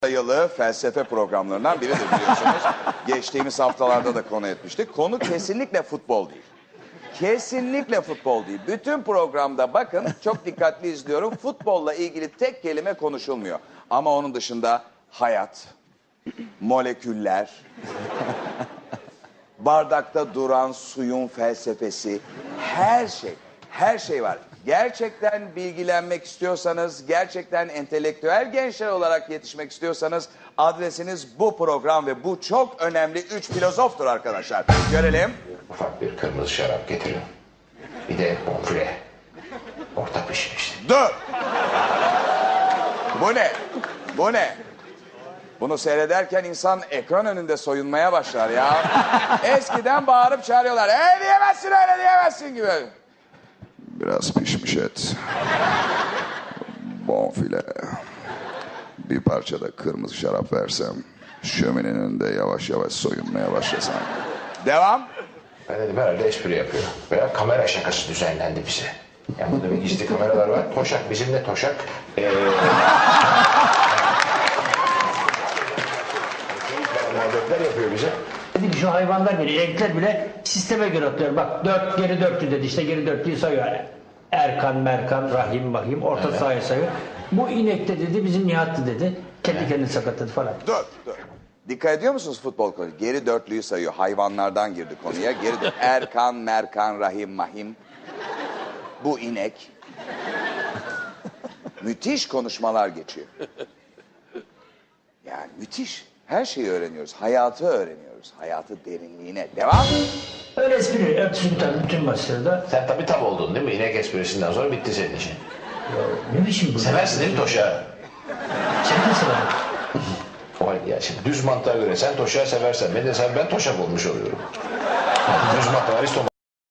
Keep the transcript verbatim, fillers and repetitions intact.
sayılı felsefe programlarından biridir biliyorsunuz. Geçtiğimiz haftalarda da konu etmiştik. Konu kesinlikle futbol değil. Kesinlikle futbol değil. Bütün programda bakın çok dikkatli izliyorum. Futbolla ilgili tek kelime konuşulmuyor. Ama onun dışında hayat, moleküller, bardakta duran suyun felsefesi, her şey, her şey var. Gerçekten bilgilenmek istiyorsanız, gerçekten entelektüel gençler olarak yetişmek istiyorsanız adresiniz bu program ve bu çok önemli üç filozoftur arkadaşlar. Görelim. Ufak bir kırmızı şarap getirin. Bir de bonfile. Orta pişmişti. Dur! Bu ne? Bu ne? Bunu seyrederken insan ekran önünde soyunmaya başlar ya. Eskiden bağırıp çağırıyorlar. Ee diyemezsin öyle diyemezsin gibi. Biraz pişmiş et. Bonfile. Bir parça da kırmızı şarap versem. Şöminenin önünde yavaş yavaş soyunmaya başlasam. Devam. Ben dedim herhalde espri yapıyor. Veya kamera şakası düzenlendi bize. Ya burada bir gizli kameralar var. Toşak bizimle Toşak. Ee... muhabbetler yapıyor bize. Dedi ki şu hayvanlar bile, renkler bile sisteme göre atıyor. Bak dört geri dörtlü dedi, işte geri dörtlüyü sayıyor yani. Erkan, Merkan, Rahim, Mahim, orta evet. Sahaya sayıyor. Bu inek de dedi bizim Nihat'tı dedi. Kendi evet. Kendini sakatladı falan. Dur, dur. Dikkat ediyor musunuz futbol konu? Geri dörtlüyü sayıyor. Hayvanlardan girdi konuya. Geri dört. Erkan, Merkan, Rahim, Mahim. Bu inek. Müthiş konuşmalar geçiyor. Yani müthiş. Her şeyi öğreniyoruz. Hayatı öğreniyoruz. Hayatı derinliğine. Devam. Öyle espri. Öpsün tabii bütün maçlarda. Sen tabii tam oldun değil mi? İnek esprisinden sonra bitti senin için. Ya, ne biçim bu? Seversin değil mi Toşak'ı? Sen de sever. O halde ya şimdi düz mantığa göre sen Toşak'ı seversen ben de sen ben Toşak olmuş oluyorum. Düz mantığa Aristo